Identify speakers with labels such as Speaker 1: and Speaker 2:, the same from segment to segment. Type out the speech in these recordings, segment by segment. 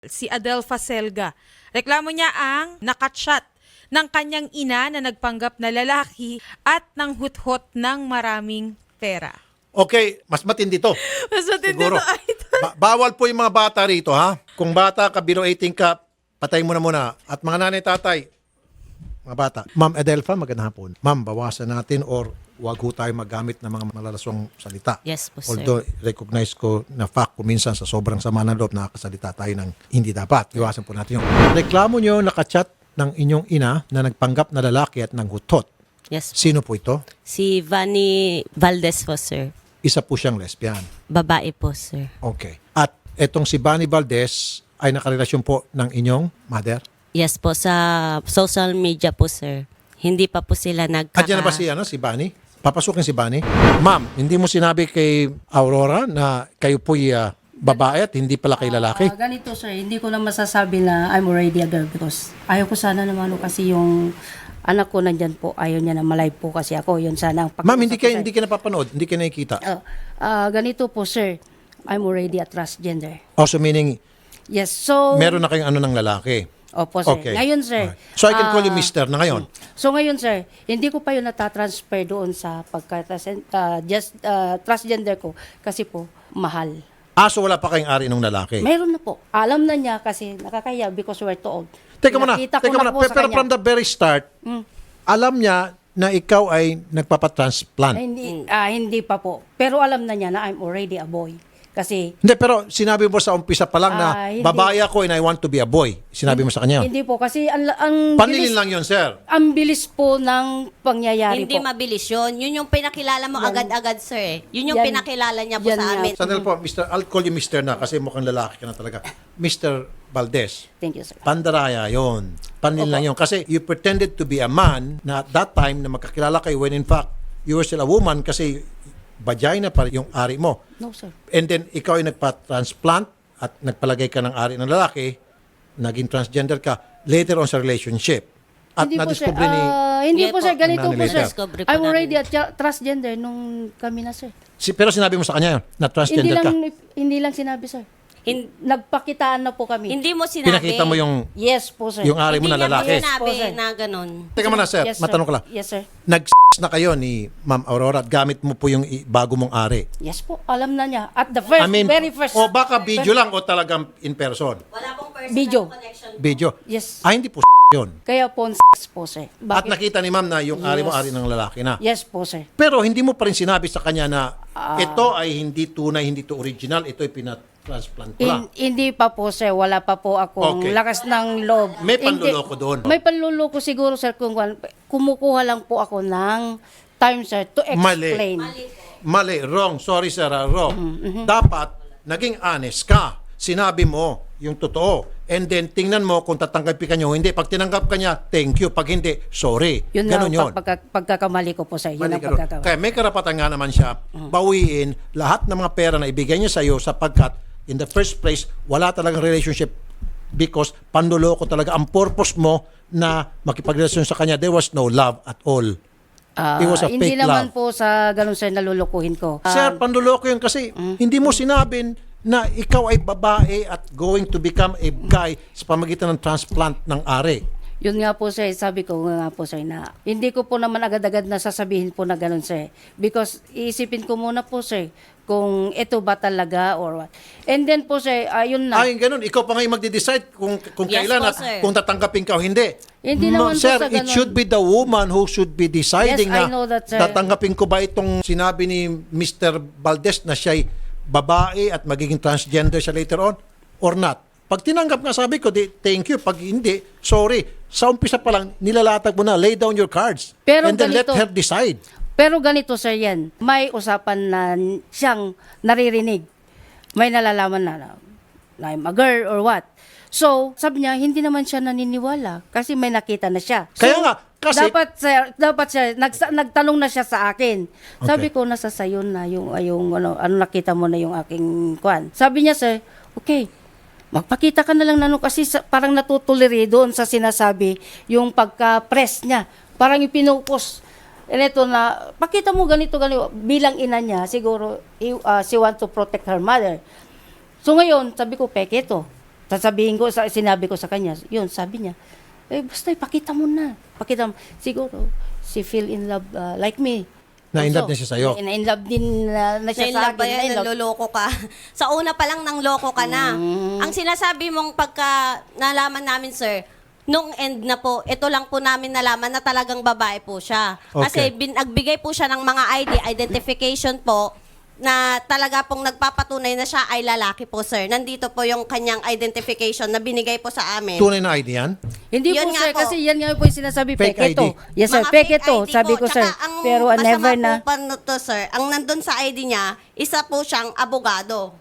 Speaker 1: si Adelfa Selga. Reklamo niya ang nakatshot ng kanyang ina na nagpanggap na lalaki at nang huthot ng maraming pera.
Speaker 2: Okay, mas matindi to.
Speaker 1: Mas matindi
Speaker 2: Siguro.
Speaker 1: to, idol.
Speaker 2: Bawal po yung mga bata rito, ha? Kung bata ka, below 18 ka, patay mo na muna. At mga nanay, tatay, mga bata. Ma'am Adelfa, magandang hapon. Ma'am, bawasan natin or wag ho tayo magamit ng mga malalaswang salita.
Speaker 3: Yes po, sir.
Speaker 2: Although, recognize ko na fact kung minsan sa sobrang sama ng loob, nakakasalita tayo ng hindi dapat. Iwasan po natin yung reklamo nyo, nakachat ng inyong ina na nagpanggap na lalaki at nanghutot.
Speaker 3: Yes po.
Speaker 2: Sino po ito?
Speaker 3: Si Vanny Valdez po, sir.
Speaker 2: Isa po siyang lesbian.
Speaker 3: Babae po, sir.
Speaker 2: Okay. At etong si Vanny Valdez ay nakarelasyon po ng inyong mother?
Speaker 3: Yes po, sa social media po, sir. Hindi pa po sila
Speaker 2: At yan na ba si Vanny? Papasukin si Vanny? Ma'am, hindi mo sinabi kay Aurora na kayo po'y babae at hindi pala kay lalaki?
Speaker 4: Ganito sir, hindi ko na masasabi na I'm already a girl because ayaw ko sana naman kasi yung anak ko nandyan po, ayaw niya na malive po kasi ako. Yun sana ang
Speaker 2: Ma'am, hindi
Speaker 4: pakiusap ko,
Speaker 2: ka napapanood, hindi ka nakikita.
Speaker 4: ganito po sir, I'm already a transgender.
Speaker 2: Also meaning,
Speaker 4: Yes, so...
Speaker 2: meron na kayong ano ng lalaki?
Speaker 4: Opo sir.
Speaker 2: Okay.
Speaker 4: Ngayon sir.
Speaker 2: Alright. So I can call you Mr. na ngayon?
Speaker 4: So ngayon sir, hindi ko pa yun natatransfer doon sa transgender ko kasi po mahal.
Speaker 2: So wala pa kayong ari ng lalaki?
Speaker 4: Mayroon na po. Alam na niya kasi nakakaya because we're too old.
Speaker 2: Teka muna,
Speaker 4: Nakita ko na po sa
Speaker 2: pero
Speaker 4: kanya.
Speaker 2: from the very start, alam niya na ikaw ay nagpapatransplant.
Speaker 4: Hindi pa po. Pero alam na niya na I'm already a boy. Kasi
Speaker 2: Hindi, pero sinabi mo sa umpisa pa lang na
Speaker 4: hindi.
Speaker 2: babae ako and I want to be a boy. Sinabi mo sa kanya.
Speaker 4: hindi po kasi ang
Speaker 2: Panlilin
Speaker 4: bilis,
Speaker 2: lang yun, sir.
Speaker 4: ang bilis po ng pangyayari
Speaker 3: Hindi
Speaker 4: po.
Speaker 3: mabilis yun. Yun yung pinakilala mo agad-agad, sir. Yun yung
Speaker 4: Yan.
Speaker 3: pinakilala niya po
Speaker 4: Yan
Speaker 3: sa
Speaker 4: nga.
Speaker 3: amin.
Speaker 2: Sandali po, Mr. I'll call you Mr. na kasi mukhang lalaki ka na talaga. Mr. Valdez,
Speaker 4: Thank you, sir.
Speaker 2: pandaraya yon. Panlilin lang yun. Kasi you pretended to be a man na at that time na magkakilala kayo when in fact you were still a woman kasi vagina pa yung ari mo.
Speaker 4: No, sir.
Speaker 2: And then ikaw ay nagpa-transplant at nagpalagay ka ng ari ng lalaki, naging transgender ka later on sa relationship. At
Speaker 4: Hindi po, sir.
Speaker 2: nadiskubre ni...
Speaker 4: Hindi
Speaker 3: Yeah
Speaker 4: po,
Speaker 3: po.
Speaker 4: sir. Ganito
Speaker 2: Nani
Speaker 4: po,
Speaker 2: later.
Speaker 4: sir.
Speaker 3: Discovery po
Speaker 4: I'm
Speaker 3: namin.
Speaker 4: already a transgender nung kami na, sir.
Speaker 2: Pero sinabi mo sa kanya yun, na transgender ka.
Speaker 4: Hindi lang sinabi, sir. Nagpakitaan na po kami.
Speaker 3: Hindi mo sinabi.
Speaker 2: Pinakita mo yung
Speaker 4: Yes po, sir.
Speaker 2: ari mo na
Speaker 3: Hindi niya
Speaker 2: lalaki.
Speaker 3: sinabi
Speaker 4: Yes po, sir.
Speaker 3: na ganun.
Speaker 2: Teka muna, sir.
Speaker 4: Yes, sir.
Speaker 2: Matanong ko lang.
Speaker 4: Yes, sir.
Speaker 2: Na kayo ni Ma'am Aurora at gamit mo po yung bago mong ari.
Speaker 4: Yes po. Alam na niya. At the first, very first.
Speaker 2: o baka video lang o talagang in person.
Speaker 3: Wala pong personal
Speaker 4: Video.
Speaker 3: connection.
Speaker 2: Video.
Speaker 4: Yes.
Speaker 2: Hindi po yun.
Speaker 4: Kaya po, po, sir.
Speaker 2: At nakita ni Ma'am na yung ari mo, ari ng lalaki na.
Speaker 4: Yes po, sir.
Speaker 2: Pero hindi mo pa rin sinabi sa kanya na ito ay hindi tunay, hindi to original, ito ay pinatransplant ko lang.
Speaker 4: Hindi pa po, sir. Wala pa po akong
Speaker 2: Okay.
Speaker 4: lakas ng loob.
Speaker 2: May
Speaker 4: Hindi.
Speaker 2: panluloko doon.
Speaker 4: May panluloko siguro, sir, kung kumukuha lang po ako ng time, sir, to explain.
Speaker 2: Mali, wrong. Sorry sir, wrong. Dapat, naging honest ka. Sinabi mo yung totoo. And then, tingnan mo kung tatanggapin ka niya o hindi. Pag tinanggap ka niya, thank you. Pag hindi, sorry.
Speaker 4: Yun
Speaker 2: Ganon
Speaker 4: lang
Speaker 2: yun.
Speaker 4: pagkakamali ko po, sir. Yun
Speaker 2: Mali
Speaker 4: ang
Speaker 2: ka ron.
Speaker 4: pagkakamali.
Speaker 2: Kaya may karapatan nga naman siya bawiin lahat ng mga pera na ibigay niya sa iyo sapagkat in the first place, wala talagang relationship because panluloko talaga. Ang purpose mo na makipagrelasyon sa kanya, there was no love at all. It was a
Speaker 4: Hindi
Speaker 2: fake
Speaker 4: naman
Speaker 2: love.
Speaker 4: po sa ganun, sir, nalulukuhin ko.
Speaker 2: Sir, panluloko yun kasi hindi mo sinabing na ikaw ay babae at going to become a guy sa pamagitan ng transplant ng ari.
Speaker 4: Yun nga po, sir, sabi ko nga po, sir, na hindi ko po naman agad-agad na sasabihin po na ganun, sir. Because iisipin ko muna po, sir, kung ito ba talaga or what. And then po, sir, ayun na.
Speaker 2: Ay, ganun. Ikaw pa ngayon magde-decide kung
Speaker 3: Yes
Speaker 2: kailan
Speaker 3: po,
Speaker 2: at
Speaker 3: sir.
Speaker 2: kung tatanggapin ka o hindi.
Speaker 4: Hindi naman po
Speaker 2: sir,
Speaker 4: sa
Speaker 2: it
Speaker 4: ganun.
Speaker 2: should be the woman who should be deciding
Speaker 4: Yes, I
Speaker 2: na
Speaker 4: know that, sir.
Speaker 2: tatanggapin ko ba itong sinabi ni Mr. Valdez na siya'y babae at magiging transgender siya later on or not. Pag tinanggap nga sabi ko, di, thank you. Pag hindi, sorry. Sa umpisa pa lang, nilalatag mo na, lay down your cards.
Speaker 4: Pero
Speaker 2: and then let
Speaker 4: ganito-
Speaker 2: her decide.
Speaker 4: Pero ganito, sir, yan. May usapan na siyang naririnig. May nalalaman na I'm a girl or what. So, sabi niya, hindi naman siya naniniwala kasi may nakita na siya. So,
Speaker 2: Kaya nga, kasi-
Speaker 4: dapat sir, nagtanong na siya sa akin. Sabi ko, nasa sayo na yung ano nakita mo na yung aking kwan. Sabi niya, sir, okay, magpakita ka na lang nano kasi parang natutuliri doon sa sinasabi yung pagka-press niya. Parang ipinupos. Ito na, pakita mo ganito. Bilang ina niya, siguro, she want to protect her mother. So ngayon, sabi ko, peke ito. Sasabihin ko, sinabi ko sa kanya, yun, sabi niya, basta ipakita mo na. Pakita mo. Siguro, she feel in love like me.
Speaker 2: Na-in-love
Speaker 4: Also,
Speaker 2: niya siya sa'yo.
Speaker 4: Na-in-love din na siya sa
Speaker 5: Nainlove
Speaker 4: akin.
Speaker 5: ba yan?
Speaker 4: Na-in-love.
Speaker 5: Naloloko ka. Sa una pa lang nang loko ka na. Ang sinasabi mong pagka nalaman namin, sir, nung end na po, ito lang po namin nalaman na talagang babae po siya. Kasi
Speaker 2: Okay.
Speaker 5: nagbigay po siya ng mga ID, identification po, na talaga pong nagpapatunay na siya ay lalaki po, sir. Nandito po yung kanyang identification na binigay po sa amin.
Speaker 2: Tunay na ID yan?
Speaker 4: Hindi
Speaker 5: Yun
Speaker 4: po,
Speaker 5: nga
Speaker 4: sir,
Speaker 5: po.
Speaker 4: kasi yan nga po yung sinasabi,
Speaker 2: Fake
Speaker 4: fake ito.
Speaker 2: ID.
Speaker 4: Yes, sir,
Speaker 5: Mga
Speaker 4: fake
Speaker 5: fake
Speaker 4: ito,
Speaker 5: ID
Speaker 4: sabi ko, sir.
Speaker 5: Tsaka ang
Speaker 4: Pero never
Speaker 5: masama
Speaker 4: na.
Speaker 5: po pa to, sir, ang nandun sa ID niya, isa po siyang abogado.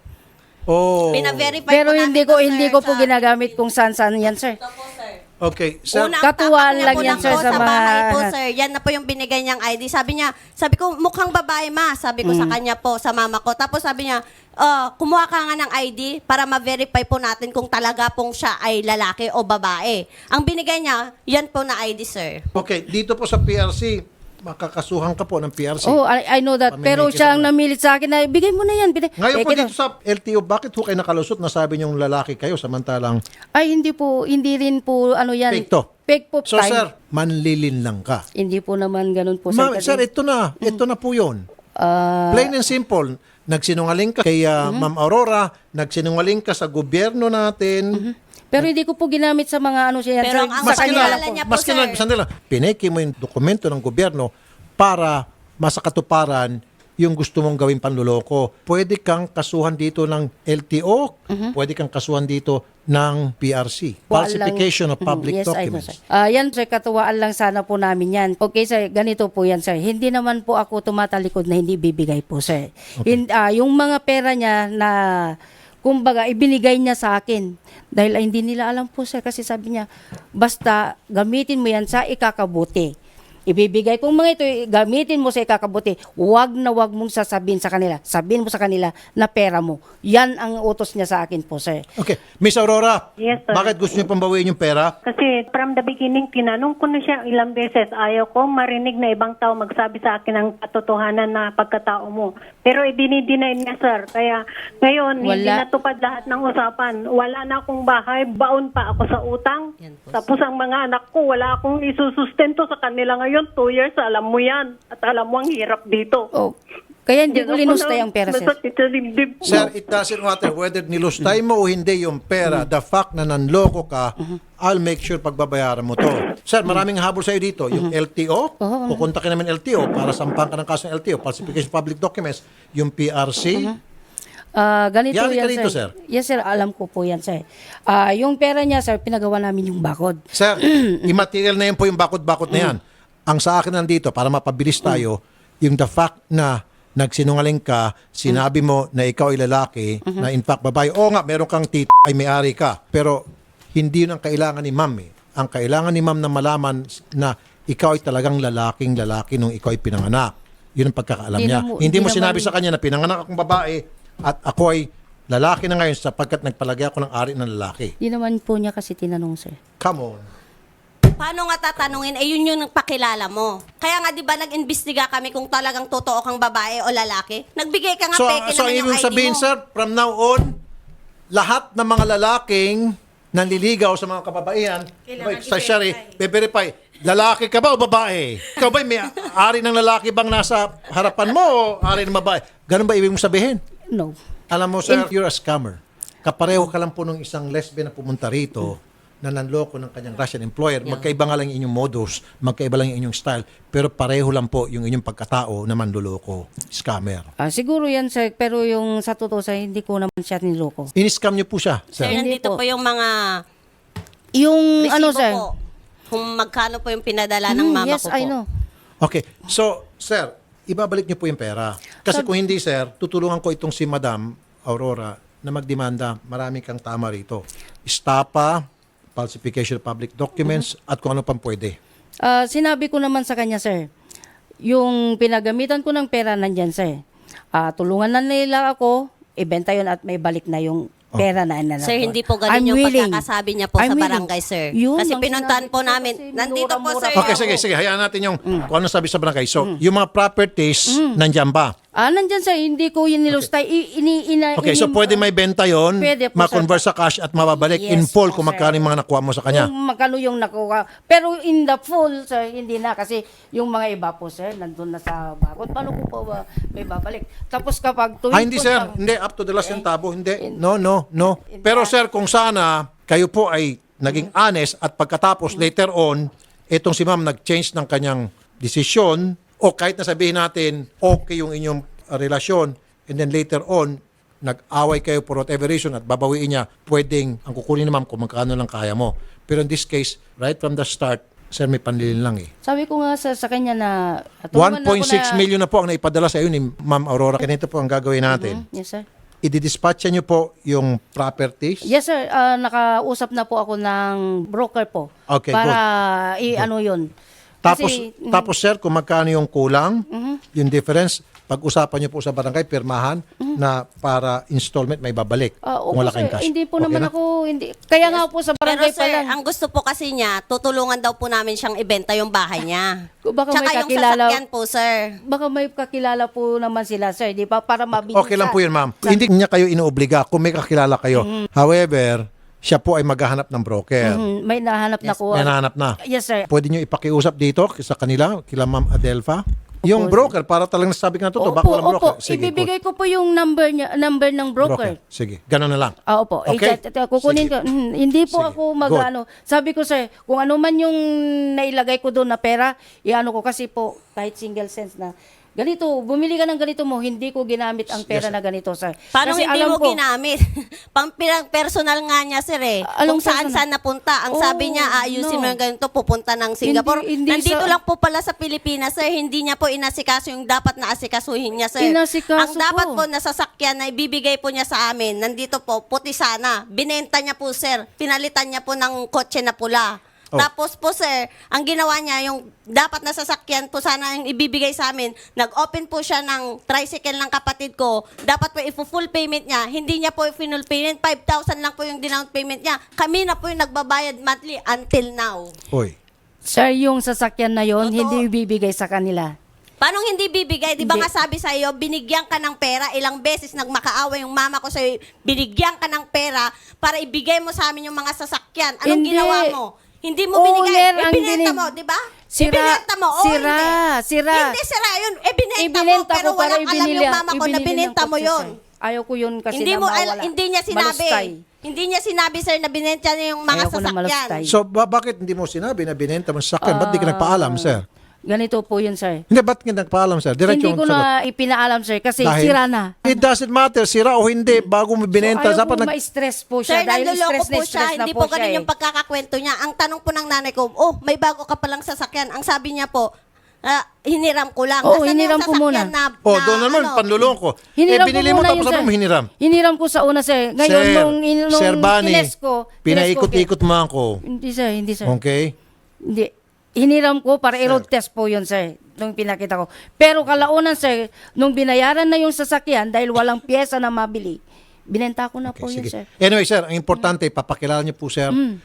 Speaker 2: Oh.
Speaker 5: Pina-verify
Speaker 4: Pero
Speaker 5: po namin
Speaker 4: hindi
Speaker 5: to, sir,
Speaker 4: ko po
Speaker 5: sa-
Speaker 4: ginagamit kung saan-saan yan, sir.
Speaker 5: Ito po, sir.
Speaker 2: Okay. Sir,
Speaker 5: Unang
Speaker 4: Katuwaan
Speaker 5: tatak niya
Speaker 4: lang
Speaker 5: po
Speaker 4: yan,
Speaker 5: lang
Speaker 4: sir,
Speaker 5: po
Speaker 4: sa mga-
Speaker 5: bahay po, sir. Yan na po yung binigay niyang ID. Sabi ko, mukhang babae, ma. Sabi ko sa kanya po, sa mama ko. Tapos sabi niya, kumuha ka nga ng ID para ma-verify po natin kung talaga pong siya ay lalaki o babae. Ang binigay niya, yan po na ID, sir.
Speaker 2: okay, dito po sa PRC, makakasuhan ka po ng PRC.
Speaker 4: Oh, I know that. Pero
Speaker 2: Pamimikis
Speaker 4: siya ang
Speaker 2: ako.
Speaker 4: namilit sa akin na, bigay mo na yan.
Speaker 2: Ngayon po
Speaker 4: Fake
Speaker 2: dito sa LTO, bakit ho kayo nakalusot na sabi niyong lalaki kayo samantalang
Speaker 4: Ay, hindi rin po, ano yan.
Speaker 2: fake to?
Speaker 4: Fake po
Speaker 2: So
Speaker 4: time.
Speaker 2: sir, manlilin lang ka.
Speaker 4: Hindi po naman ganun po, sir.
Speaker 2: Ma'am,
Speaker 4: kasi,
Speaker 2: sir, ito na po yun.
Speaker 4: ah,
Speaker 2: Plain and simple. Nagsinungaling ka kay Ma'am Aurora, nagsinungaling ka sa gobyerno natin.
Speaker 4: pero hindi ko po ginamit sa mga ano siya yan,
Speaker 5: Pero
Speaker 4: sir.
Speaker 5: ang
Speaker 4: Sa
Speaker 5: mas
Speaker 4: kanya
Speaker 5: kilala
Speaker 4: lang po.
Speaker 5: niya po,
Speaker 2: Maski na,
Speaker 5: sir.
Speaker 2: sandali lang, pineki mo yung dokumento ng gobyerno para masakatuparan yung gusto mong gawing panluloko. Pwede kang kasuhan dito ng LTO, pwede kang kasuhan dito ng PRC. Falsification of public
Speaker 4: Yes, I know,
Speaker 2: documents.
Speaker 4: sir. Yan, sir, katuwaan lang sana po namin yan. Okay, sir, ganito po yan, sir. Hindi naman po ako tumatalikod na hindi bibigay po, sir. Yung mga pera niya na, kumbaga, ibinigay niya sa akin. Dahil hindi nila alam po, sir, kasi sabi niya, basta gamitin mo yan sa ikakabuti. Ibibigay kung mga ito, gamitin mo sa ikakabuti. Huwag na huwag mong sasabihin sa kanila. Sabihin mo sa kanila na pera mo. Yan ang utos niya sa akin po, sir.
Speaker 2: Okay. Miss Aurora,
Speaker 6: Yes, sir.
Speaker 2: bakit gusto niyo pambawiin yung pera?
Speaker 6: Kasi from the beginning, tinanong ko na siya ilang beses. Ayaw ko marinig na ibang tao magsabi sa akin ng katotohanan na pagkatao mo. Pero i-deny niya, sir. Kaya ngayon, hindi
Speaker 4: Wala.
Speaker 6: natupad lahat ng usapan. Wala na akong bahay, baon pa ako sa utang. Tapos ang mga anak ko, wala akong isusustento sa kanila ngayon. 2 years, alam mo yan. At alam mo ang hirap dito.
Speaker 4: Oh, kaya hindi ko linusta yung pera, sir.
Speaker 6: Masakit sa dibdib ko.
Speaker 2: Sir, it doesn't matter whether nilustay mo o hindi yung pera. The fact na nanloko ka, I'll make sure pagbabayaran mo to. Sir, maraming habol sa'yo dito. Yung LTO, pupunta ka namin LTO para sampahan ka ng kaso ng LTO, falsification of public documents. Yung PRC,
Speaker 4: Ganito
Speaker 2: Yari ka
Speaker 4: yan,
Speaker 2: rito,
Speaker 4: sir.
Speaker 2: sir.
Speaker 4: Yes, sir. Alam ko po yan, sir. Yung pera niya, sir, pinagawa namin yung bakod.
Speaker 2: Sir, immaterial na yan po yung bakod-bakod na yan. Ang sa akin nandito, para mapabilis tayo, yung the fact na nagsinungaling ka, sinabi mo na ikaw ay lalaki, na in fact babae, oo nga, meron kang ay may-ari ka. Pero hindi yun ang kailangan ni ma'am eh. Ang kailangan ni ma'am na malaman na ikaw ay talagang lalaki nung ikaw ay pinanganak. Yun ang pagkakaalam niya. Hindi mo sinabi sa kanya na pinanganak akong babae at ako ay lalaki na ngayon sapagkat nagpalagay ako ng ari ng lalaki.
Speaker 4: Di naman po niya kasi tinanong, sir.
Speaker 2: Come on.
Speaker 5: Paano nga tatanungin? Yun yung pakilala mo. Kaya nga, di ba, nag-imbestiga kami kung talagang totoo kang babae o lalaki? Nagbigay ka nga peke
Speaker 2: So
Speaker 5: naman yung
Speaker 2: ibig
Speaker 5: ID
Speaker 2: sabihin,
Speaker 5: mo.
Speaker 2: sir, from now on, lahat ng mga lalaking nanliligaw sa mga kababaihan, sa shari, be-verify, lalaki ka ba o babae? Ikaw ba may ari ng lalaki bang nasa harapan mo o ari ng babae? Ganun ba ibig mong sabihin?
Speaker 4: No.
Speaker 2: Alam mo, sir, you're a scammer. Kapareho ka lang po nung isang lesbian na pumunta rito na nanloko ng kanyang Russian employer. Magkaiba nga lang yung inyong modus, magkaiba lang yung inyong style, pero pareho lang po yung inyong pagkatao na manloloko, scammer.
Speaker 4: Siguro yan, sir. Pero yung sa totoo, sir, hindi ko naman siya niloko.
Speaker 2: In-scam niyo po siya,
Speaker 5: Sir,
Speaker 2: sir.
Speaker 4: Hindi
Speaker 5: nandito
Speaker 4: po.
Speaker 5: po yung mga
Speaker 4: Yung
Speaker 5: resibo
Speaker 4: ano, sir?
Speaker 5: po. Kung magkano po yung pinadala ng mama
Speaker 4: yes,
Speaker 5: ko po.
Speaker 4: I know.
Speaker 2: Okay. So, sir, ibabalik niyo po yung pera. Kasi kung hindi, sir, tutulungan ko itong si Madam Aurora na magdemanda. Marami kang tama rito. Estapa, falsification of public documents, at kung ano pang pwede.
Speaker 4: Sinabi ko naman sa kanya, sir, yung pinagamitan ko ng pera nandyan, sir. Tulungan na nila ako, ibenta yun at may balik na yung pera na inanap.
Speaker 5: Sir, hindi po ganun
Speaker 4: I'm
Speaker 5: yung
Speaker 4: willing.
Speaker 5: pagkakasabi niya po
Speaker 4: I'm
Speaker 5: sa
Speaker 4: willing.
Speaker 5: barangay, sir.
Speaker 4: Yun
Speaker 5: Kasi
Speaker 4: ang
Speaker 5: pinuntahan
Speaker 4: sinabi
Speaker 5: po
Speaker 4: ko
Speaker 5: namin.
Speaker 4: kasi
Speaker 5: Nandito po,
Speaker 4: minura-mura
Speaker 5: sir.
Speaker 4: pa
Speaker 2: Okay, sige. Hayaan natin yung kung ano sabi sa barangay. So, yung mga properties, nandyan ba?
Speaker 4: Nandyan sir, hindi ko yun nilustay.
Speaker 2: Okay, so pwede may benta yon,
Speaker 4: Pwede po,
Speaker 2: ma-convert sa cash at mababalik in
Speaker 4: Yes
Speaker 2: full
Speaker 4: po,
Speaker 2: kung
Speaker 4: sir.
Speaker 2: magkano yung mga nakuha mo sa kanya.
Speaker 4: Kung magkano yung nakuha. Pero in the full, sir, hindi na. Kasi yung mga iba po, sir, nandun na sa bakod. Paano ko po ba may babalik? Tapos kapag tuwing...
Speaker 2: Hindi sir, hindi up to the last centavo, hindi. No. Pero sir, kung sana kayo po ay naging honest at pagkatapos later on, itong si ma'am nag-change ng kanyang desisyon o kahit na sabihin natin okay yung inyong relasyon and then later on nag-away kayo for whatever reason at babawiin niya, pwedeng ang kukunin ni ma'am kung magkano lang kaya mo. Pero in this case, right from the start, sir, may panlilin lang eh.
Speaker 4: Sabi ko nga sa kanya na... tulungan na ako
Speaker 2: 1.6 million na po ang naipadala sa iyo ni Ma'am Aurora. Ganito po ang gagawin natin.
Speaker 4: Yes, sir.
Speaker 2: I-dispatcha niyo po yung properties.
Speaker 4: Yes, sir. Nakausap na po ako ng broker po.
Speaker 2: Okay,
Speaker 4: para i-ano yun.
Speaker 2: Tapos sir, kung magkano yung kulang, yung difference, pag-usapan niyo po sa barangay, pirmahan na para installment may babalik.
Speaker 4: Opo,
Speaker 2: Kung wala kayong
Speaker 4: sir.
Speaker 2: cash.
Speaker 4: Hindi po
Speaker 2: Okay
Speaker 4: naman
Speaker 2: na?
Speaker 4: ako... Kaya nga po sa
Speaker 5: Pero
Speaker 4: barangay pa
Speaker 5: sir,
Speaker 4: lang.
Speaker 5: ang gusto po kasi niya, tutulungan daw po namin siyang ibenta yung bahay niya.
Speaker 4: Baka
Speaker 5: Tsaka
Speaker 4: may
Speaker 5: yung
Speaker 4: kakilala...
Speaker 5: sasakyan po, sir.
Speaker 4: Baka may kakilala po naman sila, sir. Di ba? Para mabilis.
Speaker 2: Okay lang po yun, ma'am. Hindi niya kayo inuobliga kung may kakilala kayo. However, siya po ay maghahanap ng broker.
Speaker 4: May nahanap na ko.
Speaker 2: May nahanap na.
Speaker 4: Yes, sir.
Speaker 2: Pwede niyo ipakiusap dito sa kanila, kila Ma'am Adelpha. Yung broker, para talagang nasabi ka na totoo, baka walang broker. Sige,
Speaker 4: Ibibigay ko po yung number ng broker.
Speaker 2: Sige, ganun na lang.
Speaker 4: Opo.
Speaker 2: Okay?
Speaker 4: Kukunin
Speaker 2: Sige.
Speaker 4: ko. Hindi po
Speaker 2: Sige.
Speaker 4: ako
Speaker 2: Good.
Speaker 4: Sabi ko sir, kung ano man yung nailagay ko doon na pera, iano ko kasi po kahit single cents na ganito, bumili ka ng ganito mo, hindi ko ginamit ang pera na ganito, sir.
Speaker 5: Paano
Speaker 4: Kasi
Speaker 5: hindi
Speaker 4: alam
Speaker 5: mo
Speaker 4: ko,
Speaker 5: ginamit? Personal nga niya, sir eh.
Speaker 4: Anong
Speaker 5: Kung saan
Speaker 4: personal?
Speaker 5: saan napunta. Ang
Speaker 4: Oh,
Speaker 5: sabi niya, ayusin mo
Speaker 4: no.
Speaker 5: yung ganito, pupunta ng Singapore.
Speaker 4: Hindi
Speaker 5: Nandito
Speaker 4: sa-
Speaker 5: lang po pala sa Pilipinas, sir. Hindi niya po inasikaso yung dapat na asikasuhin niya, sir.
Speaker 4: Inasikaso
Speaker 5: Ang dapat
Speaker 4: po.
Speaker 5: po na sasakyan na ibibigay po niya sa amin, nandito po, puti sana. Binenta niya po, sir. Pinalitan niya po ng kotse na pula.
Speaker 2: Oh.
Speaker 5: Tapos po sir, ang ginawa niya, yung dapat na sasakyan po sana yung ibibigay sa amin, nag-open po siya ng tricycle ng kapatid ko, dapat po i-full payment niya, hindi niya po i-full payment, 5,000 lang po yung down payment niya. Kami na po yung nagbabayad monthly until now.
Speaker 2: Hoy.
Speaker 4: sir, yung sasakyan na yon
Speaker 5: Totoo.
Speaker 4: hindi ibibigay sa kanila.
Speaker 5: Paano hindi bibigay? Di ba
Speaker 4: Hindi.
Speaker 5: nga sabi sa iyo, binigyan ka ng pera, ilang beses nagmakaawa yung mama ko sa iyo, binigyan ka ng pera para ibigay mo sa amin yung mga sasakyan. Anong
Speaker 4: Hindi.
Speaker 5: ginawa mo? Hindi mo
Speaker 4: Owner
Speaker 5: binigay.
Speaker 4: ang
Speaker 5: Ibinenta
Speaker 4: binig-
Speaker 5: mo, di ba?
Speaker 4: Sira-
Speaker 5: Ibinenta mo. Oo,
Speaker 4: sira,
Speaker 5: hindi.
Speaker 4: sira.
Speaker 5: Hindi sira yun. Ibinenta mo,
Speaker 4: Ibinenta
Speaker 5: pero
Speaker 4: ko para
Speaker 5: walang alam yung mama ko na
Speaker 4: ibinili ng
Speaker 5: binenta mo
Speaker 4: kotse,
Speaker 5: yun.
Speaker 4: sir. Ayaw ko yun kasi
Speaker 5: Hindi mo,
Speaker 4: na mawala.
Speaker 5: hindi niya sinabi.
Speaker 4: Malustay.
Speaker 5: Hindi niya sinabi, sir, na binenta niya yung mga
Speaker 4: Ayaw ko na
Speaker 5: sasakyan.
Speaker 4: malustay.
Speaker 2: So, bakit hindi mo sinabi na binenta mo sa sakyan? Ba't di ka nagpaalam, sir?
Speaker 4: Ganito po yun, sir.
Speaker 2: Hindi, ba't ka nagpaalam, sir? Diretso
Speaker 4: Hindi
Speaker 2: ang
Speaker 4: ko
Speaker 2: sagot.
Speaker 4: na ipinaalam, sir, kasi
Speaker 2: Dahil?
Speaker 4: sira na.
Speaker 2: It doesn't matter, sira o hindi, bago mo binenta.
Speaker 4: Ayaw
Speaker 2: Dapat
Speaker 4: ko ma-stress po siya.
Speaker 5: Sir,
Speaker 4: dahil
Speaker 5: nanduloko po siya.
Speaker 4: stress na
Speaker 5: Hindi
Speaker 4: po
Speaker 5: po ganun
Speaker 4: siya.
Speaker 5: yung pagkakakwento niya. Ang tanong po ng nanay ko, oh, may bago ka palang sasakyan. Ang sabi niya po, hiniram ko lang.
Speaker 4: Oo,
Speaker 5: Asan
Speaker 4: hiniram
Speaker 5: yung
Speaker 4: ko
Speaker 5: sasakyan
Speaker 4: muna.
Speaker 2: Oh, doon naman, panluloko.
Speaker 4: Hiniram
Speaker 2: binili
Speaker 4: ko
Speaker 2: mo
Speaker 4: muna
Speaker 2: tapos
Speaker 4: yun,
Speaker 2: ano
Speaker 4: sir.
Speaker 2: mo hiniram?
Speaker 4: Hiniram ko sa una, sir. Ngayon, nung
Speaker 2: Sir Bani,
Speaker 4: kines ko,
Speaker 2: pinaikot-ikot mo ako.
Speaker 4: Hindi, sir. Hindi, sir.
Speaker 2: Okay?
Speaker 4: Hindi. Hiniram ko para i-road test po yun, sir. Nung pinakita ko. Pero kalaunan, sir, nung binayaran na yung sasakyan dahil walang pyesa na mabili, binenta ko na po
Speaker 2: Okay,
Speaker 4: yun,
Speaker 2: sige.
Speaker 4: sir.
Speaker 2: Anyway, sir, ang importante, papakilala niyo po, sir,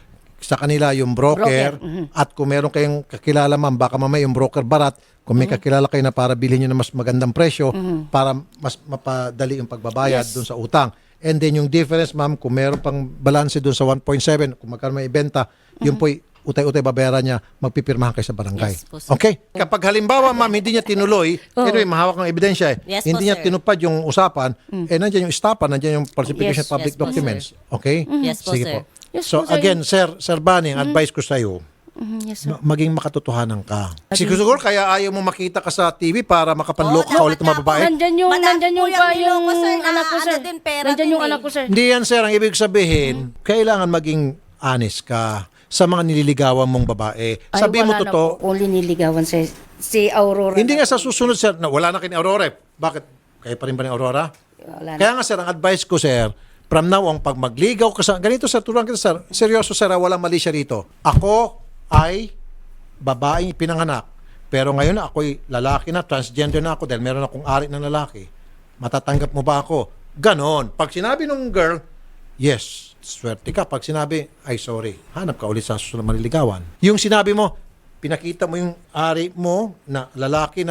Speaker 2: sa kanila yung broker.
Speaker 4: Broker,
Speaker 2: At kung meron kayong kakilala, ma'am, baka mamaya yung broker barat, kung may kakilala kayo na para bilhin nyo na mas magandang presyo, para mas mapadali yung pagbabayad dun sa utang. And then yung difference, ma'am, kung meron pang balance dun sa 1.7, kung magkano may ibenta, yun po'y utay-utay babayaran niya, magpipirmahan kayo sa barangay.
Speaker 3: Yes po, sir.
Speaker 2: Okay? Kapag halimbawa, ma'am, hindi niya tinuloy, anyway, mahawak ng ebidensya
Speaker 5: Yes po,
Speaker 2: hindi niya
Speaker 5: sir.
Speaker 2: tinupad yung usapan, nandiyan yung estapan, nandiyan yung falsification
Speaker 4: Yes,
Speaker 2: of public
Speaker 3: yes po,
Speaker 2: documents. Okay?
Speaker 5: Yes po,
Speaker 2: Sige
Speaker 5: sir.
Speaker 2: po.
Speaker 4: Yes
Speaker 2: So
Speaker 4: po, sir.
Speaker 2: again, Sir Bani, ang advice ko sa iyo,
Speaker 4: Yes, sir.
Speaker 2: maging makatotohanan ka. Siguro kaya ayaw mo makita ka sa TV para makapanloko ka
Speaker 5: Oo,
Speaker 2: ulit ng mga babae?
Speaker 4: Nandyan yung,
Speaker 5: Madami
Speaker 4: nandyan
Speaker 5: po
Speaker 4: yung,
Speaker 5: yung
Speaker 4: yung
Speaker 5: niloko, sir, na
Speaker 4: anak ko, sir.
Speaker 5: ano din, pera
Speaker 4: Nandyan
Speaker 5: din
Speaker 4: yung
Speaker 5: eh.
Speaker 4: anak ko, sir.
Speaker 2: Hindi yan, sir. Ang ibig sabihin, kailangan maging honest ka sa mga nililigawan mong babae.
Speaker 4: Ay,
Speaker 2: Sabi mo
Speaker 4: wala na
Speaker 2: totoo.
Speaker 4: po. Kung liniligawan, sir. Si Aurora.
Speaker 2: Hindi
Speaker 4: na
Speaker 2: nga sa susunod, sir, na wala na kayo ni Aurora. Bakit? Kayo pa rin ba ni Aurora?
Speaker 4: Wala na.
Speaker 2: Kaya nga, sir, ang advice ko, sir, from now on, pag magligaw ka sa... Ganito, sir, turuan kita, sir. Seryoso, sir, walang mali siya rito. Ako ay babaeng pinanganak. Pero ngayon ako'y lalaki na, transgender na ako dahil meron akong ari ng lalaki. Matatanggap mo ba ako? Ganon. Pag sinabi nung girl, yes, swerte ka. Pag sinabi, ay sorry, hanap ka ulit sa susunod maliligawan. Yung sinabi mo, pinakita mo yung ari mo na lalaki na,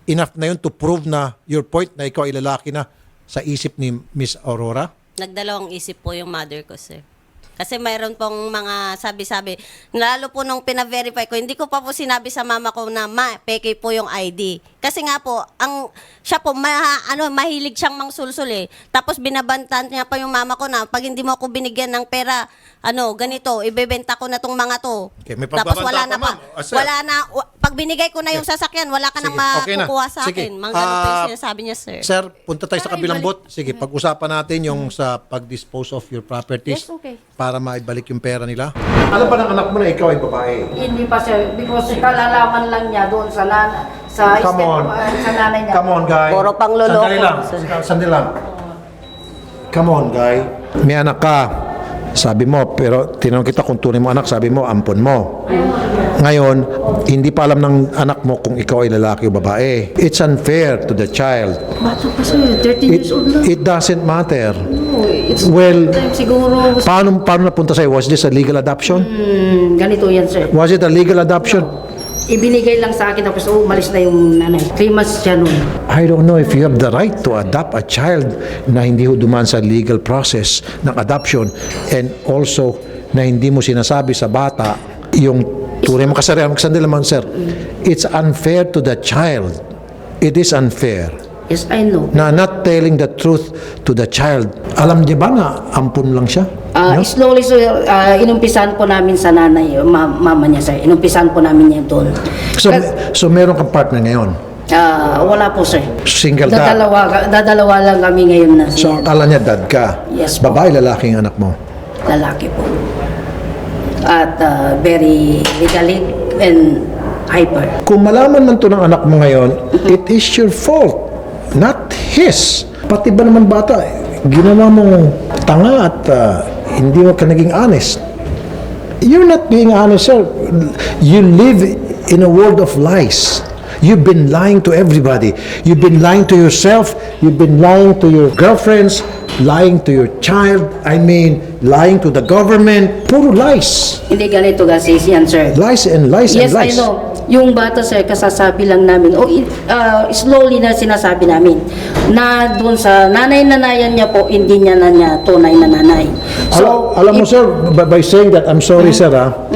Speaker 2: enough na yun to prove na your point na ikaw ay lalaki na sa isip ni Miss Aurora?
Speaker 3: Nagdalawang isip po yung mother ko, sir. Kasi mayroon pong mga sabi-sabi, lalo po nung pina-verify ko, hindi ko pa po sinabi sa mama ko na peke po yung ID. Kasi nga po, siya po, mahilig siyang mangsulsul eh. Tapos binabantan niya pa yung mama ko na, pag hindi mo ako binigyan ng pera, ganito, ibebenta ko na tong mga to.
Speaker 2: Okay, may
Speaker 3: Tapos
Speaker 2: pagbabanta
Speaker 3: wala
Speaker 2: pa,
Speaker 3: na pa.
Speaker 2: ma'am. Sir.
Speaker 3: Wala na, pag binigay ko na yung sasakyan, wala ka nang
Speaker 2: Okay na.
Speaker 3: makukuha sa
Speaker 2: Sige.
Speaker 3: akin. Ganun po yung sinasabi niya, sir.
Speaker 2: Sir, punta tayo sa kabilang bot. Sige, pag-usapan natin yung sa pag-dispose of your properties
Speaker 4: Yes, okay.
Speaker 2: para maibalik yung pera nila. Alam ba ng anak mo na ikaw ay babae?
Speaker 4: Hindi pa sir, because kalalaman lang niya doon sa
Speaker 2: Come on.
Speaker 4: sa nanay niya.
Speaker 2: Come on, guy.
Speaker 3: Puro pangloloko.
Speaker 2: Sandali lang. Sandali lang. Come on, guy. May anak ka. Sabi mo, pero tinanong kita kung tunay mo anak, sabi mo, ampon mo. Ngayon, hindi pa alam ng anak mo kung ikaw ay lalaki o babae. It's unfair to the child.
Speaker 4: Bata pa sir, 13 years old lang.
Speaker 2: It doesn't matter.
Speaker 4: Oh, it's
Speaker 2: Well,
Speaker 4: time siguro.
Speaker 2: paano napunta sa'yo? Was this a legal adoption?
Speaker 4: Ganito yan sir.
Speaker 2: Was it a legal adoption?
Speaker 4: Ibinigay lang sa akin tapos umalis na yung nanay. 3 months siya nun.
Speaker 2: I don't know if you have the right to adopt a child na hindi ho dumaan sa legal process ng adoption and also na hindi mo sinasabi sa bata yung tunay mo kasarian. Sandali naman, sir. It's unfair to the child. It is unfair
Speaker 4: Yes, I know.
Speaker 2: na not telling the truth to the child. Alam niya ba na ampun lang siya? No?
Speaker 4: Slowly, so, inumpisan po namin sa nanay, mama niya sir. Inumpisan po namin niya doon.
Speaker 2: So meron kang partner ngayon?
Speaker 4: Wala po sir.
Speaker 2: Single dad?
Speaker 4: Dadalawa lang kami ngayon na
Speaker 2: So
Speaker 4: siya.
Speaker 2: akala niya dad ka?
Speaker 4: Yes po.
Speaker 2: Babae, lalaki ang anak mo?
Speaker 4: Lalaki po. At very legalic and hyper.
Speaker 2: Kung malaman man to ng anak mo ngayon, it is your fault, not his. Pati ba naman bata, ginawa mong tanga at hindi mo ka naging honest. You're not being honest, sir. You live in a world of lies. You've been lying to everybody. You've been lying to yourself. You've been lying to your girlfriends, lying to your child. I mean, lying to the government. Puro lies.
Speaker 4: Hindi ganito kasi yan sir.
Speaker 2: Lies and lies
Speaker 4: Yes,
Speaker 2: and
Speaker 4: I
Speaker 2: lies.
Speaker 4: know. Yung bata sir, kasasabi lang namin, slowly na sinasabi namin, na doon sa nanay-nanayan niya po, hindi niya na niya tunay na nanay.
Speaker 2: Alam mo sir, by saying that, I'm sorry sir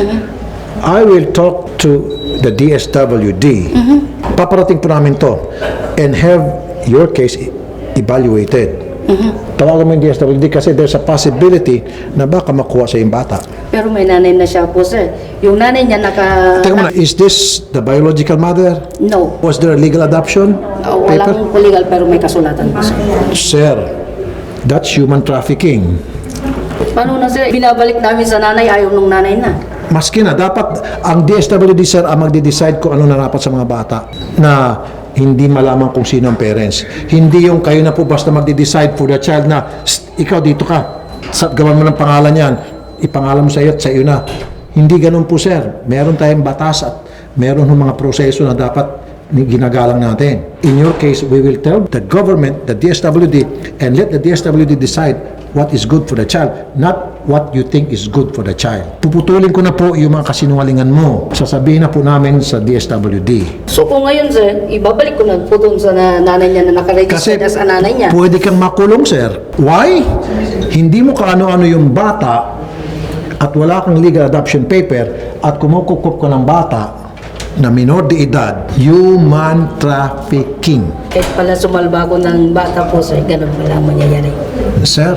Speaker 2: I will talk to the DSWD. Paparating po namin to and have your case evaluated. Tawagan mo yung DSWD kasi there's a possibility na baka makuha sa yung bata.
Speaker 4: Pero may nanay na siya po sir. Yung nanay niya
Speaker 2: Teka muna, is this the biological mother?
Speaker 4: No.
Speaker 2: Was there a legal adoption paper?
Speaker 4: Walang legal pero may kasulatan po sir.
Speaker 2: Sir, that's human trafficking.
Speaker 4: Paano na sir? Binabalik namin sa nanay, ayaw nung nanay na.
Speaker 2: Maski na, dapat ang DSWD sir ang magde-decide kung ano na dapat sa mga bata na hindi malaman kung sino ang parents. Hindi yung kayo na po basta magde-decide for the child na ikaw dito ka, gawan mo ng pangalan yan, ipangalan mo sa iyo at sa iyo na. Hindi ganun po sir. Meron tayong batas at meron ng mga proseso na dapat ginagalang natin. In your case, we will tell the government, the DSWD, and let the DSWD decide what is good for the child, not what you think is good for the child. Puputulin ko na po yung mga kasinungalingan mo. Sasabihin na po namin sa DSWD.
Speaker 4: So kung ngayon sir, ibabalik ko na po doon sa nanay niya na nakaregister na sa nanay niya.
Speaker 2: Pwede kang makulong, sir. Why? Hindi mo kaano-ano yung bata at wala kang legal adoption paper at kumukukup ka ng bata na minor de edad, human trafficking.
Speaker 4: Kahit pala sumalba ko ng bata po sir, ganun pa lang mangyayari.
Speaker 2: Sir,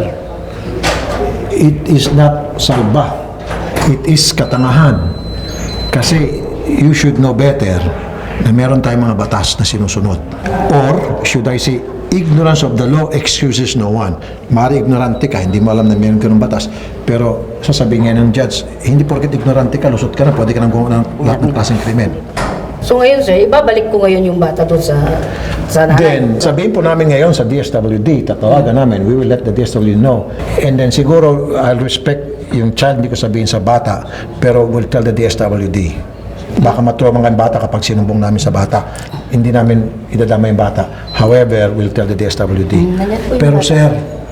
Speaker 2: it is not salba. It is katangahan. Kasi you should know better na meron tayong mga batas na sinusunod. Or, should I say, ignorance of the law excuses no one. Mari ignorante ka, hindi mo alam na meron ka ng batas. Pero sasabihin ngayon ng judge, hindi porket ignorante ka, lusot ka na, pwede ka nang gumawa ng lahat ng klaseng krimen.
Speaker 4: So ngayon sir, ibabalik ko ngayon yung bata doon sa nanay.
Speaker 2: Then, sabihin po namin ngayon sa DSWD, tatawagan namin, we will let the DSWD know. And then siguro, I'll respect yung child, hindi ko sabihin sa bata, pero we'll tell the DSWD. Baka matuwa mga bata kapag sinumbong namin sa bata. Hindi namin idadama yung bata. However, we'll tell the DSWD. Pero sir,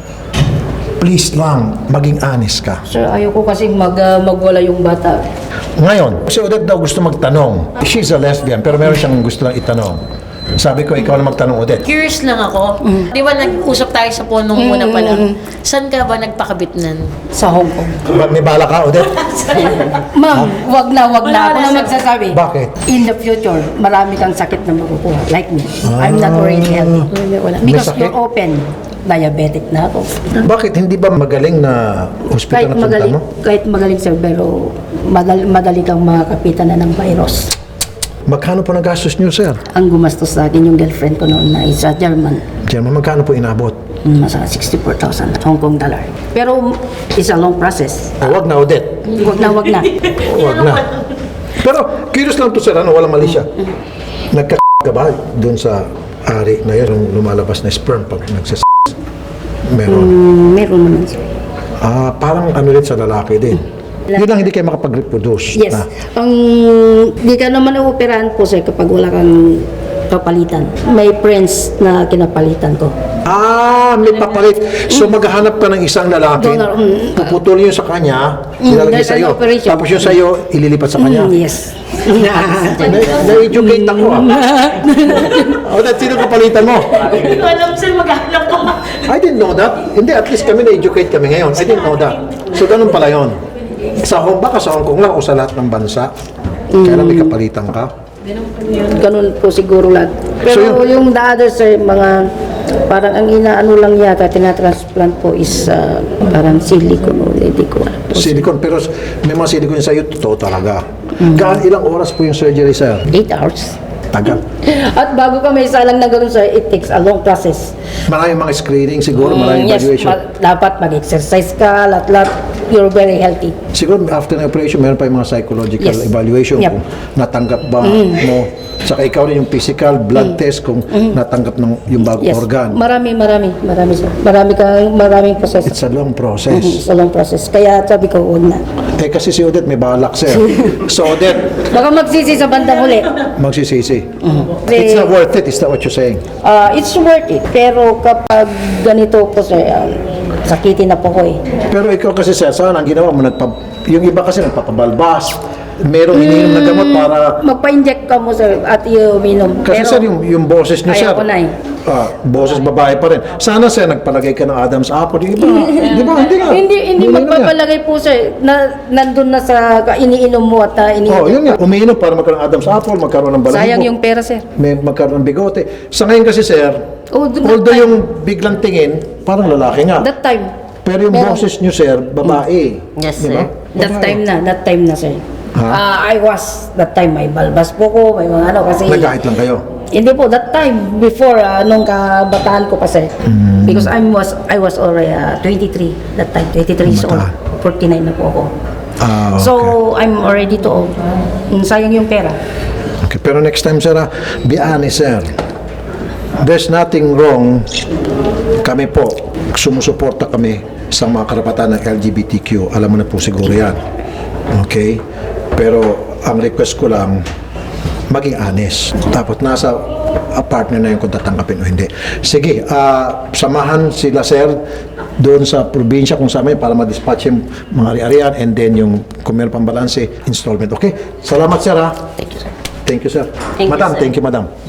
Speaker 2: please lang, maging honest ka.
Speaker 4: Sir, ayoko kasi magwala yung bata.
Speaker 2: Ngayon, si Odette daw gusto magtanong. She's a lesbian, pero meron siyang gusto lang itanong. Sabi ko, ikaw na magtanong, Odette.
Speaker 7: Curious lang ako. Di ba nag-usap tayo sa punong muna pala? Saan ka ba nagpakabit nan?
Speaker 4: Sa Hong Kong.
Speaker 2: May bala ka, Odette?
Speaker 4: Ma'am, wag na ako na magsasabi.
Speaker 2: Bakit?
Speaker 4: In the future, marami kang sakit na makukuha. Like me. I'm not already healthy. Because
Speaker 2: sakit?
Speaker 4: you're open. Diabetic na ako.
Speaker 2: Bakit hindi ba magaling na hospital na punta mo?
Speaker 4: Kahit magaling sir, pero madali kang makakapitan na ng virus.
Speaker 2: Magkano po nagastos niyo, sir?
Speaker 4: Ang gumastos sa akin yung girlfriend ko noon na isa German.
Speaker 2: German, magkano po inabot?
Speaker 4: Nasa 64,000 Hong Kong dollar. Pero it's a long process.
Speaker 2: Wag na, Odette.
Speaker 4: Wag na, wag na.
Speaker 2: Wag na. Pero, curious lang to, sir, walang mali siya. Nagka ka ba dun sa ari na yun, yung lumalabas na sperm pag nagsas... Meron.
Speaker 4: Meron naman sir.
Speaker 2: Parang ano rin sa lalaki din. Yun lang hindi kayo makapag-reproduce.
Speaker 4: Yes. Ang di ka naman operahan po sir kapag wala kang kapalitan. May friends na kinapalitan ko.
Speaker 2: May papalit. So maghahanap ka ng isang lalaki,
Speaker 4: Donor,
Speaker 2: puputol yun sa kanya, ilalagay
Speaker 4: there's
Speaker 2: sa'yo.
Speaker 4: an operation.
Speaker 2: Tapos yun sa'yo, ililipat sa kanya.
Speaker 4: Yes.
Speaker 2: Na-educate ako O, that sino kapalitan mo?
Speaker 7: Hindi ko alam sir, maghanap ko.
Speaker 2: I didn't know that. Hindi, at least kami na-educate kami ngayon. I didn't know that. So, ganun pala yun. Baka sa Hong Kong lang o sa lahat ng bansa. Kaya may kapalitan ka.
Speaker 4: Ganun po siguro lahat. Pero
Speaker 2: So,
Speaker 4: yung the others sir, mga parang ang inaano lang yata tinatransplant po is parang silicone o hindi ko alam.
Speaker 2: Silicone. Pero may mga silicone sa'yo, totoo talaga. Ilang oras po yung surgery, sir?
Speaker 4: 8 hours.
Speaker 2: Tagal.
Speaker 4: At bago ka may salang na ganun sir, it takes a long process.
Speaker 2: Maraming mga screening siguro, maraming
Speaker 4: Yes,
Speaker 2: evaluation.
Speaker 4: dapat mag-exercise ka, lahat. You're very healthy.
Speaker 2: Siguro after the operation, meron pa yung mga psychological
Speaker 4: Yes.
Speaker 2: evaluation
Speaker 4: Yep.
Speaker 2: kung natanggap ba mo. Saka ikaw rin yung physical, blood test kung natanggap ng yung bagong
Speaker 4: Yes.
Speaker 2: organ.
Speaker 4: Marami sir. Maraming process.
Speaker 2: It's a long process.
Speaker 4: It's a long process. Kaya sabi ko, huwag na.
Speaker 2: Kasi si Odette may balak, sir. So Odette,
Speaker 4: Baka magsisi sa bandang huli.
Speaker 2: magsisisi.
Speaker 4: Kasi,
Speaker 2: It's not worth it, is that what you're saying?
Speaker 4: it's worth it. Pero kapag ganito po sir, sakitin na po ko eh.
Speaker 2: Pero ikaw kasi, sir, saan ang ginawa mo? Yung iba kasi nagpapabalbas. Merong iniinom na gamot para...
Speaker 4: Magpa-inject ka mo sir at uminom.
Speaker 2: Kasi sir, yung boses niyo, sir,
Speaker 4: ayaw ko na eh.
Speaker 2: boses babae pa rin. Sana, sir, nagpalagay ka ng Adam's apple. Yung iba, di ba? Hindi nga.
Speaker 4: Hindi
Speaker 2: Umiinom yan.
Speaker 4: magpapalagay po sir na nandun na sa iniinom mo at iniinom.
Speaker 2: Yun nga. Umiinom para magkaroon ng Adam's apple, magkaroon ng balahibo.
Speaker 4: Sayang yung pera sir.
Speaker 2: May magkaroon ng bigote. Sa ngayon kasi, sir,
Speaker 4: That
Speaker 2: although
Speaker 4: time-
Speaker 2: yung biglang tingin, parang lalaki nga.
Speaker 4: That time.
Speaker 2: Pero yung
Speaker 4: Meron.
Speaker 2: boses niyo, sir, babae.
Speaker 3: Yes,
Speaker 2: Di ba?
Speaker 3: sir.
Speaker 4: That time na sir. I was that time may balbas po ko, may mga ano kasi
Speaker 2: Nagkahit lang kayo.
Speaker 4: hindi po that time before nung kabataan ko pa sir. Because I was already 23 that time, 23 years old.
Speaker 2: Kabataan.
Speaker 4: 49 na po ako.
Speaker 2: Okay.
Speaker 4: So I'm already too old. Sayang yung pera.
Speaker 2: Okay, pero next time, sir, be honest, sir. There's nothing wrong. Kami po, sumusuporta kami sa mga karapatan ng LGBTQ. Alam mo na po siguro yan. Okay? Pero ang request ko lang, maging honest. Tapos nasa partner na yun kung tatanggapin o hindi. Sige, samahan sila, sir, doon sa probinsya kung saan may para ma-dispatch yung mga ari-arian and then yung kung meron pang balanse, installment. Okay? Salamat, sir, ha?
Speaker 3: Thank you, sir.
Speaker 2: Thank you, sir.
Speaker 3: Thank you,
Speaker 2: Madam,
Speaker 3: sir.
Speaker 2: thank you, madam.